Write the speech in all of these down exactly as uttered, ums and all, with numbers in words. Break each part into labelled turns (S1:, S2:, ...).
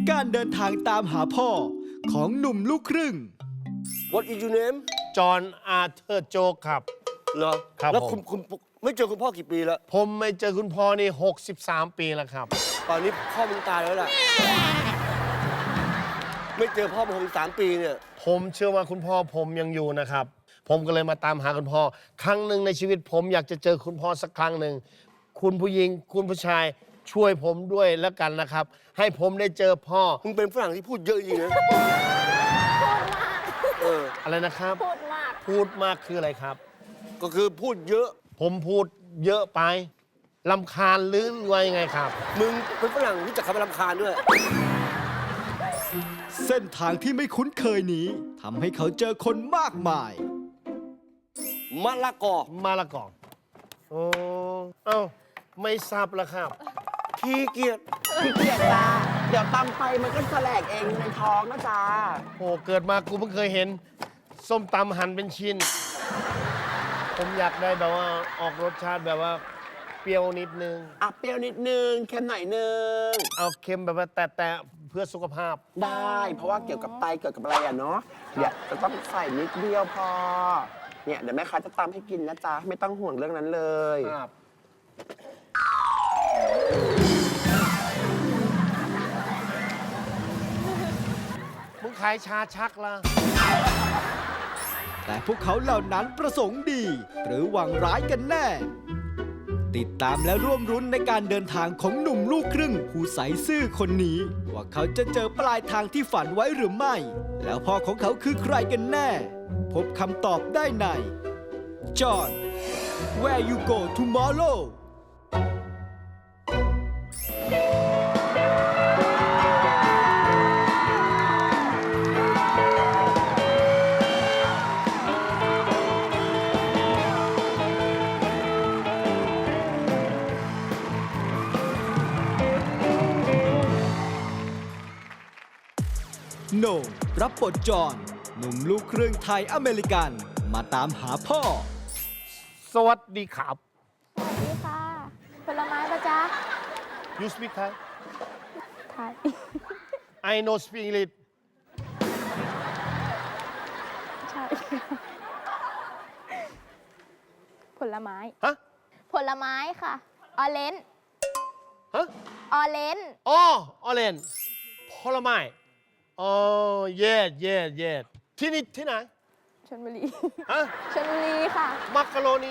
S1: การเดินทางตามหาพ่อของหนุ่มลูกครึ่ง
S2: What is your name
S3: จอห์นอาร์เธอร์โจกครับ
S2: เหรอ
S3: ครับ
S2: แล้ว
S3: ผม
S2: คุณคุณไม่เจอคุณพ่อกี่ปีแล้ว
S3: ผมไม่เจอคุณพ่อนี่หกสิบสามปีแล้วครับ
S2: ตอนนี้พ่อมึงตายแล้วล่ะ ไม่เจอพ่อมาหกสิบสามปีเนี่ย
S3: ผมเชื่อว่าคุณพ่อผมยังอยู่นะครับ ผมก็เลยมาตามหาคุณพ่อ ครั้งหนึ่งในชีวิตผมอยากจะเจอคุณพ่อสักครั้งหนึ่ง คุณผู้หญิงคุณผู้ชายช่วยผมด้วยแล้วกันนะครับ ให้ผมได้เจอพ่อ
S2: มึงเป็นฝรั่งที่พูดเยอะจริงนะเออ
S3: อะไรนะครับ
S4: พูดมาก
S3: พูดมากคืออะไรครับ
S2: ก็คือพูดเยอะ
S3: ผมพูดเยอะไปลำคาญหรือว่ายังไงครับ
S2: มึงเป็นฝรั่งรู้จักคำว่ารำคาญด้วย
S1: เส้นทางที่ไม่คุ้นเคยนี้ทำให้เขาเจอคนมากมาย
S2: มะละกอ
S3: มาละก่อนโอ้เอ้าไม่ทราบแล้วครับ
S2: ขี้เกียจ
S5: ขี้เกียจจ้าเดี๋ยวตำไปมันก็แสลกเองในท้องนะจ้า
S3: โอ้เกิดมากูเพิ่งเคยเห็น ส้มตำหั่นเป็นชิ้น ผมอยากได้แบบว่าออกรสชาติแบบว่าเปรี้ยวนิดนึง
S5: อ่ะเปรี้ยวนิดนึงเค็มหน่อยนึง
S3: เอาเค็มแบบว่าแต่แต่เพื่อสุขภาพ
S5: ได้ เพราะว่าเกี่ยวกับไตเกี่ยวกับอะไรอะเนาะเดี๋ยวจะต้องใส่นิดเดียวพอ เนี่ยเดี๋ยวแม่ค้าจะตำให้กินนะจ๊ะไม่ต้องห่วงเรื่องนั้นเลย
S3: ครับ มึงขายชาชักละ
S1: แต่พวกเขาเหล่านั้นประสงค์ดี หรือหวังร้ายกันแน่ ติดตามและร่วมรุ้นในการเดินทางของหนุ่มลูกครึ่งผู้ใสซื่อคนนี้ ว่าเขาจะเจอปลายทางที่ฝันไว้หรือไม่ แล้วพ่อของเขาคือใครกันแน่ พบคำตอบได้ใน John Where You Go Tomorrowโหน่งรับบทจอห์นหนุ่มลูกครึ่งไทยอเมริกัน มาตามหาพ่อ
S3: สวัสดีครับ
S4: สวัสดีค่ะ ผลไม้ปะจ๊ะ
S3: You speak Thai
S4: ไทย
S3: I know speak English
S4: ใช่ ผลไม้
S3: ฮะ
S4: ผลไม้ค่ะ ออเรนจ์
S3: ฮะ
S4: ออเรนจ์
S3: อ๋อออเรนผลไม้อ๋อเย็ดเย็ดเย็ดที่นี่ที่ไหน
S4: ชลบุรี
S3: ฮะ
S4: ชลบุรีค่ะ
S3: มักกะโรนี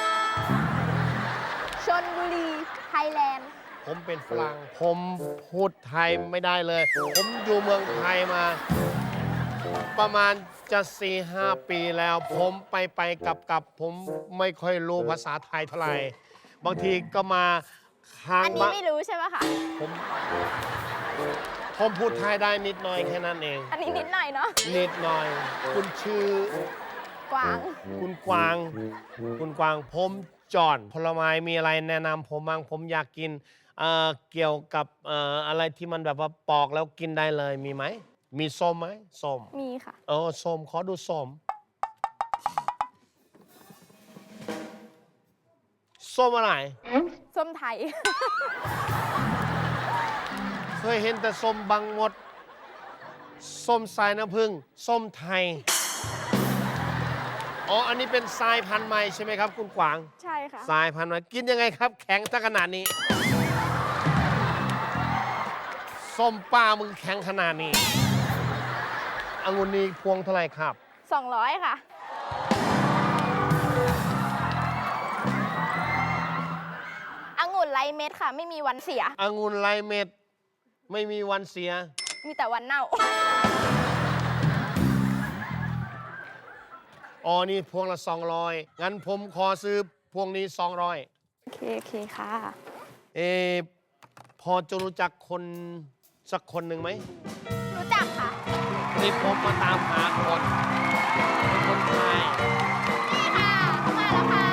S4: ชลบุรี ไทยแลนด์
S3: ผมเป็นฝรั่ง ผมพูดไทยไม่ได้เลย ผมอยู่เมืองไทยมา ประมาณจะสี่ห้าปีแล้ว ผมไปไปกลับกลับผมไม่ค่อยรู้ภาษาไทยเท่าไหร่ บางทีก็มาค้าง
S4: อันนี้
S3: บ้าน
S4: ไม่รู้ใช่ไหมคะ
S3: ผมผมพูดไทยได้นิดหน่อยแค่นั้นเอง
S4: อันนี้นิดหน่อยเนาะ
S3: นิดหน่อย คุณชื่อ
S4: กวาง
S3: คุณกวาง คุณกวาง ผมจอห์นผลไม้มีอะไรแนะนำผมบ้างผมอยากกินเอ่อเกี่ยวกับเอ่ออะไรที่มันแบบว่าปอกแล้วกินได้เลยมีไหม มีส้มไหมส้ม
S4: มีค่ะ
S3: เออส้มขอดูส้มส้มอะไร
S4: ส้มไทย
S3: เคยเห็นแต่ส้มบางมด ส้มสายน้ำผึ้งส้มไทย อ๋อ อันนี้เป็นสายพันธุ์ใหม่ใช่ไหมครับ คุณกวาง
S4: ใช่ค่ะ
S3: สายพันธุ์ใหม่กินยังไงครับ แข็งถ้าขนาดนี้ ส้มป้ามึงแข็งขนาดนี้องุ่นนี้พวงเท่าไหร่ครับ
S4: สองร้อยค่ะ องุ่นไรเม็ดค่ะ ไม่มีวันเสีย
S3: องุ่นลายเม็ด ไม่มีวันเสีย
S4: มีแต่วันเน่า
S3: อ๋อ นี่พวงละสองร้อยงั้นผมขอซื้อพวงนี้สองร้อย
S4: โอเค โอเคค่ะ
S3: เออพอจะรู้จักคนสักคนหนึ่งไหม
S4: รู้จักค่ะ
S3: นี่ผมมาตามหาคนเป็นคนไทย
S4: นี่ค่ะเข้ามาแล้วค่ะ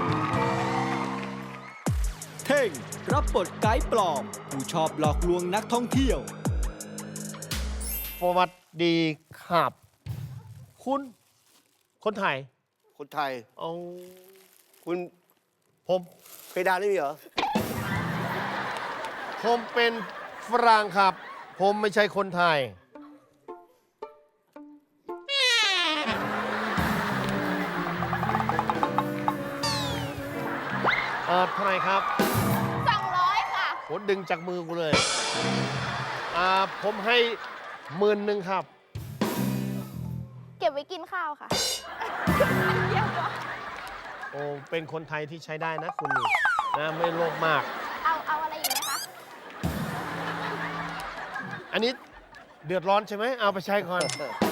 S1: เท่งรับบทไกด์ปลอม ผู้ชอบหลอกลวงนักท่องเที่ยว
S3: สวัสดีครับ คุณ คนไทย
S2: คนไทย
S3: เอา
S2: คุณ
S3: ผม
S2: เพดานไม่มีเหรอ
S3: ผมเป็นฝรั่งครับ ผผมไม่ใช่คนไทย เออเท่าไหร่ครับ
S4: สองร้อยค่ะ
S3: โหดึงจากมือกูเลย อ่า ผมให้หมื่นหนึ่งครับ
S4: เก็บไว้กินข้าวค่ะ
S3: โอ้ เป็นคนไทยที่ใช้ได้นะคุณนี่นะ ไม่โลภมาก
S4: เอาเอาอะไรอีกไหมคะ
S3: อันนี้เดือดร้อนใช่ไหม เอาไปใช้ก่อน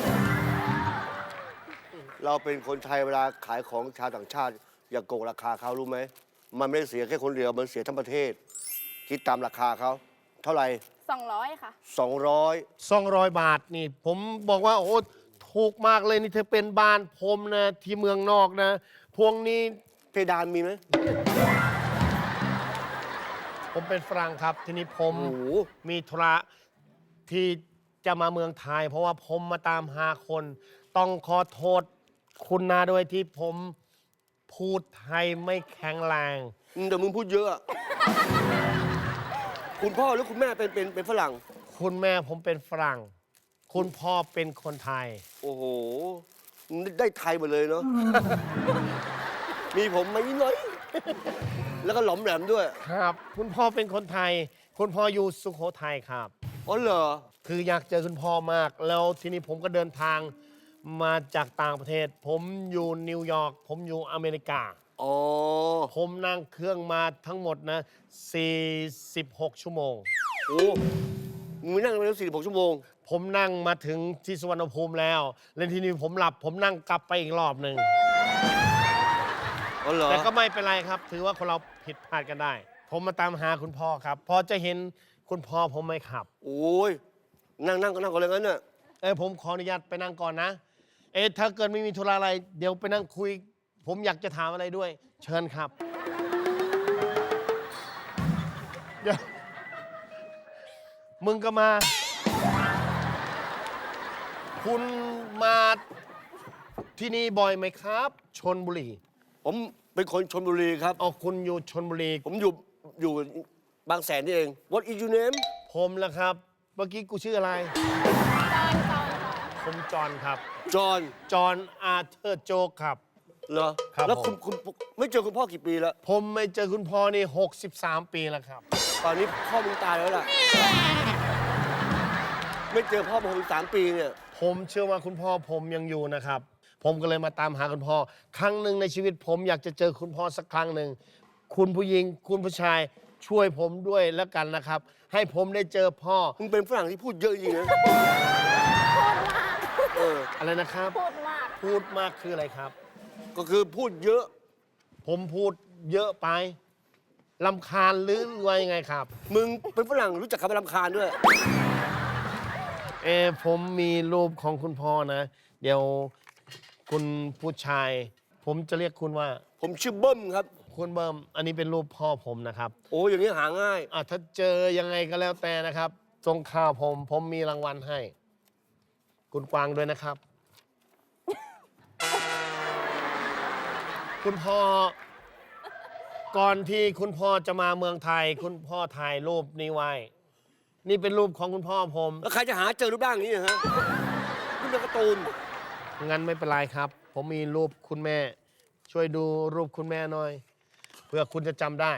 S2: เราเป็นคนไทยเวลาขายของชาวต่างชาติ อย่าโกงราคาเขารู้ไหม มันไม่ได้เสียแค่คนเดียว มันเสียทั้งประเทศ คิดตามราคาเขาเท่าไหร่
S4: สองร้อยค่ะ
S2: สองร้อย
S3: สองร้อย บาทนี่ ผมบอกว่า โอ้ถูกมากเลยนี่เธอเป็นบ้านผมนะ ที่เมืองนอกนะ พวงนี้
S2: เพดานมีไหม
S3: ผมเป็นฝรั่งครับ ทีนี้ผม
S2: โอ้โห
S3: มีธุระที่จะมาเมืองไทย เพราะว่าผมมาตามหาคน ต้องขอโทษคุณนาด้วยที่ผมพูดไทยไม่แข็งแรง
S2: อืมแต่มึงพูดเยอะอะ คุณพ่อหรือคุณแม่เป็นเป็นเป็นฝรั่ง
S3: คุณแม่ผมเป็นฝรั่ง คุณพ่อเป็นคนไทย
S2: โอ้โหมึงได้ไทยหมดเลยเนาะ มีผมมานิดหน่อย แล้วก็หลอมแหลมด้วย
S3: ครับ คุณพ่อเป็นคนไทย คุณพ่ออยู่สุโขทัยครับ
S2: อ๋อเหรอ
S3: คืออยากเจอคุณพ่อมาก แล้วทีนี้ผมก็เดินทางมาจากต่างประเทศ ผมอยู่นิวยอร์ก ผมอยู่อเมริกา
S2: อ๋อ
S3: ผมนั่งเครื่องมาทั้งหมดนะ สี่สิบหก ชั่วโมง
S2: โอ้มึงนั่งมาแล้วสี่สิบหกชั่วโมง
S3: ผมนั่งมาถึงที่สุวรรณภูมิแล้ว แล้วทีนี้ผมหลับ ผมนั่งกลับไปอีกรอบหนึ่ง
S2: อ๋อเหรอ
S3: แต่ก็ไม่เป็นไรครับ ถือว่าคนเราผิดพลาดกันได้ ผมมาตามหาคุณพ่อครับ พอจะเห็นคุณพ่อผมไหมครับ
S2: โอ้ย นั่งนั่งก็นั่งก็เลยงั้นน่ะ
S3: เออผมขออนุญาตไปนั่งก่อนนะ เอ๊ะถ้าเกิดไม่มีธุระอะไร เดี๋ยวไปนั่งคุย ผมอยากจะถามอะไรด้วย เชิญครับ เดี๋ยว มึงก็มา คุณมาที่นี่บ่อยไหมครับชลบุรี
S2: ผมเป็นคนชลบุรีครับ
S3: อ๋อคุณอยู่ชลบุรี
S2: ผมอยู่อยู่บางแสนนี่เอง What is your name
S3: ผมละครับ เมื่อกี้กูชื่ออะไร
S4: จอนจอน
S3: ผมจอห์นครับ
S2: จอห์น
S3: จอห์นอาร์เธอร์โจกครับ
S2: เหรอ
S3: ครับ
S2: แล้วคุณ
S3: ผม
S2: คุณไม่เจอคุณพ่อกี่ปีแล้ว
S3: ผมไม่เจอคุณพ่อนี่ หกสิบสาม ปีแล้วครับ
S2: ตอนนี้พ่อมึงตายแล้วล่ะ ไม่เจอพ่อมาหกสิบสามปีเนี่ย
S3: ผมเชื่อว่าคุณพ่อผมยังอยู่นะครับ ผมก็เลยมาตามหาคุณพ่อ ครั้งหนึ่งในชีวิตผมอยากจะเจอคุณพ่อสักครั้งหนึ่ง คุณผู้หญิง คุณผู้ชายช่วยผมด้วยแล้วกันนะครับ ให้ผมได้เจอพ่อ
S2: มึงเป็นฝรั่งที่พูดเยอะจริงๆนะ
S4: พูดมาก
S2: เออ
S3: อะไรนะครับ
S4: พูดมาก
S3: พูดมากคืออะไรครับ
S2: ก็คือพูดเยอะ
S3: ผมพูดเยอะไปลำคาญหรือว่ายังไงครับ
S2: มึงเป็นฝรั่งรู้จักคำว่ารำคาญด้วย
S3: เออผมมีรูปของคุณพ่อนะ เดี๋ยวคุณผู้ชาย ผมจะเรียกคุณว่า
S2: ผมชื่อเบิ้มครับ
S3: คุณเบิร์มอันนี้เป็นรูปพ่อผมนะครับ
S2: โอ้อย่างนี้หาง่าย
S3: อ่ะถ้าเจอยังไงก็แล้วแต่นะครับส่งข่าวผม ผมมีรางวัลให้ คุณกวางด้วยนะครับ คุณพ่อ ก่อนที่คุณพ่อจะมาเมืองไทย คุณพ่อถ่ายรูปนี้ไว้ นี่เป็นรูปของคุณพ่อผม
S2: แล้วใครจะหาเจอรูปร่างอย่างนี้ฮะนี่เป็นการ์ตูน
S3: งั้นไม่เป็นไรครับ ผมมีรูปคุณแม่ ช่วยดูรูปคุณแม่หน่อย เพื่อคุณจะจำได้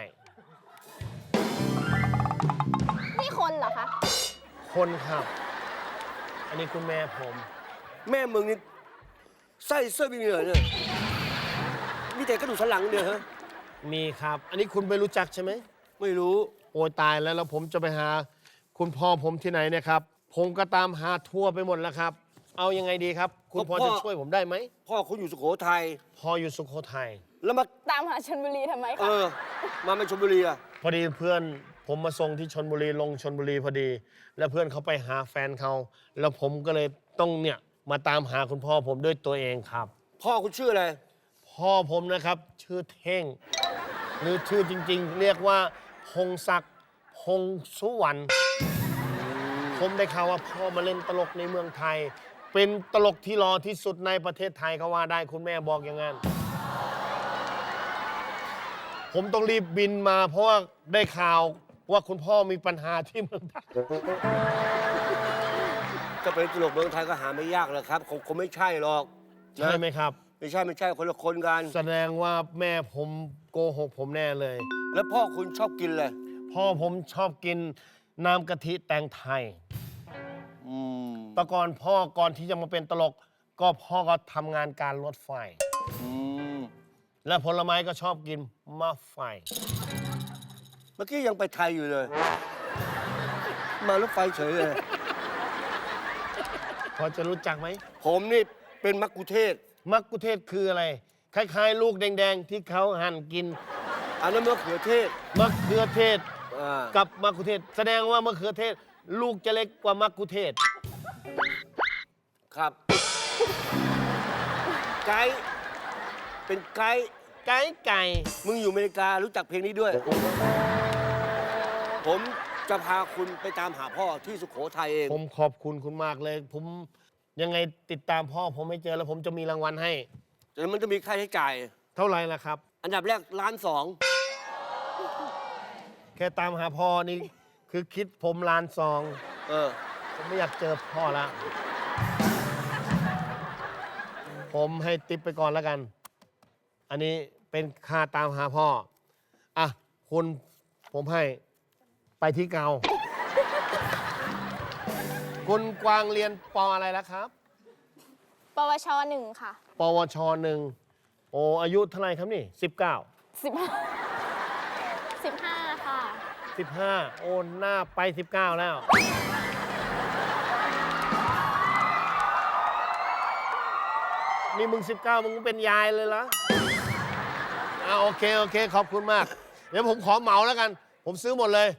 S4: นี่คนเหรอคะ
S3: คนครับ อันนี้คุณแม่ผม
S2: แม่มึงนี่ไส้เสื้อมีเหนือเนี่ยมีแต่กระดูกสันหลังเดียวฮะ
S3: มีครับ อันนี้คุณไม่รู้จักใช่ไหม
S2: ไม่รู้
S3: โอ้ยตายแล้วแล้วผมจะไปหา คุณพ่อผมที่ไหนเนี่ยครับ ผมก็ตามหาทั่วไปหมดแล้วครับ เอายังไงดีครับ คุณพ่อจะช่วยผมได้ไหม
S2: พ่อคุณอยู่สุโขทัย
S3: พ่ออยู่สุโขทัย
S2: แล้วมา
S4: ตามหาชลบุรีทำไม
S2: เอ
S4: คะ
S2: อ มาไม่ชลบุรีอ่ะ
S3: พอดีเพื่อนผมมาส่งที่ชนบุรีลงชนบุรีพอดี แล้วเพื่อนเขาไปหาแฟนเขาแล้วผมก็เลยต้องเนี่ยมาตามหาคุณพ่อผมด้วยตัวเองครับ
S2: พ่อคุณชื่ออะไร
S3: พ่อผมนะครับ ชื่อเท่ง หรือชื่อจริงๆ เรียกว่าพงศักดิ์พงสุวรรณผมได้ข่าวว่าพ่อมาเล่นตลกในเมืองไทย เป็นตลกที่รอที่สุดในประเทศไทยเขาว่าได้คุณแม่บอกอย่างนั้น ผมต้องรีบบินมาเพราะว่าได้ข่าวว่าคุณพ่อมีปัญหาที่เมืองไทย
S2: จะเป็นตลกเมืองไทยก็หาไม่ยากหรอกครับคงคงไม่ใช่หรอก
S3: ใช่ไหมครับ
S2: ไม่ใช่ไม่ใช่คนละคนกัน
S3: แสดงว่าแม่ผมโกหกผมแน่เลย
S2: แล้วพ่อคุณชอบกินเลย
S3: พ่อผมชอบกินน้ำกะทิแตงไทย
S2: อืม
S3: แต่ก่อนพ่อก่อนที่จะมาเป็นตลก ก็พ่อก็ทำงานการรถไฟ
S2: อืม
S3: และผลไม้ก็ชอบกินมะไฟ
S2: เมื่อกี้ยังไปไทยอยู่เลย มารถไฟเฉยเลย
S3: พอจะรู้จักไหม
S2: ผมนี่เป็นมักคุเทศก์
S3: มักกุเทศคืออะไร คล้ายๆ ลูกแดงๆ ที่เขาหั่นกิน
S2: อันนั้นมะเขือเทศ
S3: มะเขือเทศ
S2: อ่า
S3: กับมะกุเทศ แสดงว่ามะเขือเทศ ลูกจะเล็กกว่ามะกุเทศ
S2: ครับ ไกด์เป็นไกด์
S3: ไก่ไก่
S2: มึงอยู่อเมริการู้จักเพลงนี้ด้วย ผมจะพาคุณไปตามหาพ่อที่สุโขทัยเอง
S3: ผมขอบคุณคุณมากเลย ผมยังไงติดตามพ่อผมไม่เจอแล้วผมจะมีรางวัลให้
S2: แต่มันจะมีค่าใช้จ่าย
S3: เท่าไหร่ล่ะครับ
S2: อันดับแรกล้านสอง
S3: แค่ตามหาพ่อนี่คือคิดผมล้านซอง
S2: เออ
S3: ผมไม่อยากเจอพ่อละผมให้ติปไปก่อนแล้วกัน อันนี้เป็นค่าตามหาพ่อ อ่ะ คุณผมให้ไปที่เกา คุณกวางเรียนปออะไรแล้วครับ
S4: ปวชหนึ่งค่ะ
S3: ปวชหนึ่งโอ้อายุเท่าไหร่ครับนี่สิบเก้า
S4: สิบห้าสิบห้าค่ะ
S3: สิบห้าโอนหน้าไปสิบเก้าแล้ว นี่มึงสิบเก้ามึงเป็นยายเลยเหรออ่าโอเค โอเค ขอบคุณมาก เดี๋ยวผมขอเหมาแล้วกัน ผมซื้อหมดเลย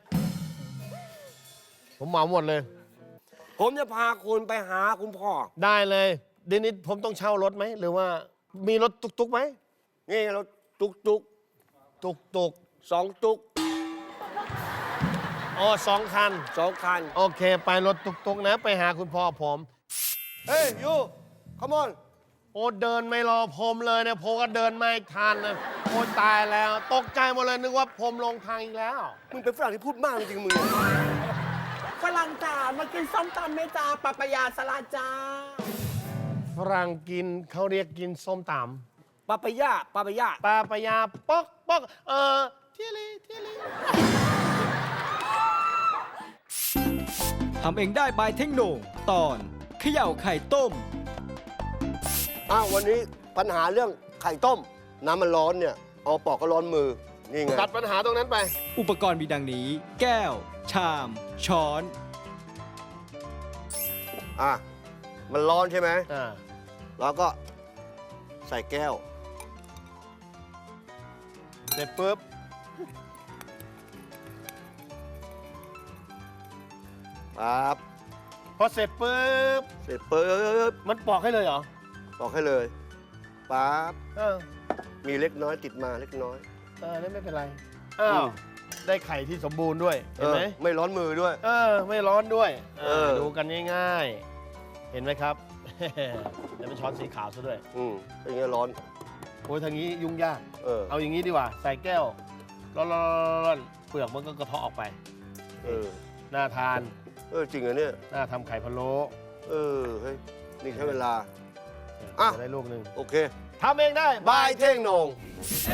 S3: ผมเหมาหมดเลย
S2: ผมจะพาคุณไปหาคุณพ่อ
S3: ได้เลยเดี๋ยวนี้ผมต้องเช่ารถไหม หรือว่ามีรถตุกๆไหม
S2: นี่เราตุกตุก
S3: ตุก
S2: สองตุก
S3: ๆอ๋อสองคัน
S2: สองคัน
S3: โอเค ไปรถตุกๆนะ ไปหาคุณพ่อผม
S2: เฮ้ยยูขมอน
S3: โอ้เดินไม่รอผมเลยเนี่ยผมก็เดินไม่ทันนะโอ้ตายแล้ว ตกใจหมดเลยนึกว่าผมลงทางอีกแล้ว
S2: มึงเป็นฝรั่งที่พูดมากจริงๆมึง
S5: ฝรั่งจ๋ามากินส้มตำไหมจ้าปะปะยาสลัดจ้า
S3: ฝรั่งกินเขาเรียกกินส้มต
S2: ปาปายาปาปายา
S3: ำปลาปะยาป๊อกป๊อกเออเทียลีเทียลี
S1: ทำเองได้บายเทคโนตอนเขย่าไข่ต้ม
S2: อ้าววันนี้ปัญหาเรื่องไข่ต้ม น้ำมันร้อนเนี่ย เอาปอกก็ร้อนมือ นี่ไง
S3: ตัดปัญหาตรงนั้นไป
S1: อุปกรณ์มีดังนี้ แก้ว ชาม ช้อน
S2: อ่ะ มันร้อนใช่ไหม
S3: อ่า
S2: เราก็ใส่แก้ว
S3: เสร็จปุ๊บ
S2: ปั๊บ
S3: พอเสร็จปุ๊บ
S2: เสร็จปุ๊บ
S3: มันปอกให้เลยเหรอ
S2: บอกให้เลย ปั๊บ
S3: เออ
S2: มีเล็กน้อยติดมาเล็กน้อย
S3: เออนั่นไม่เป็นไรอ้า
S2: อื
S3: ว
S2: ม
S3: ได้ไข่ที่สมบูรณ์ด้วย เห็นไหม
S2: ออไม่ร้อนมือด้วย
S3: เออ ไม่ร้อนด้วยเอ
S2: เอ
S3: อ
S2: อ
S3: ดูกันง่ายๆ เห็นไหมครับ แล้วเป็นช้อนสีขาวซะด้วย
S2: อืมเป็นไงร้อน
S3: โอ้ยทางนี้ยุ่งยาก
S2: เออ
S3: เอาอย่างนี้ดีกว่า ใส่แก้วร้อนๆๆๆเปลือกมันก็กระเทาะออกไป
S2: เออ
S3: น่าทาน
S2: เออจริงเหรอเนี่ย
S3: น่าทำไข่พะโล้
S2: เออ เฮ้ย นี่ใช้เวลา อ่ะ
S3: จะได้ลูกหนึ่ง
S2: โอเค
S3: ทำเองได้
S2: บายเท่งโหนง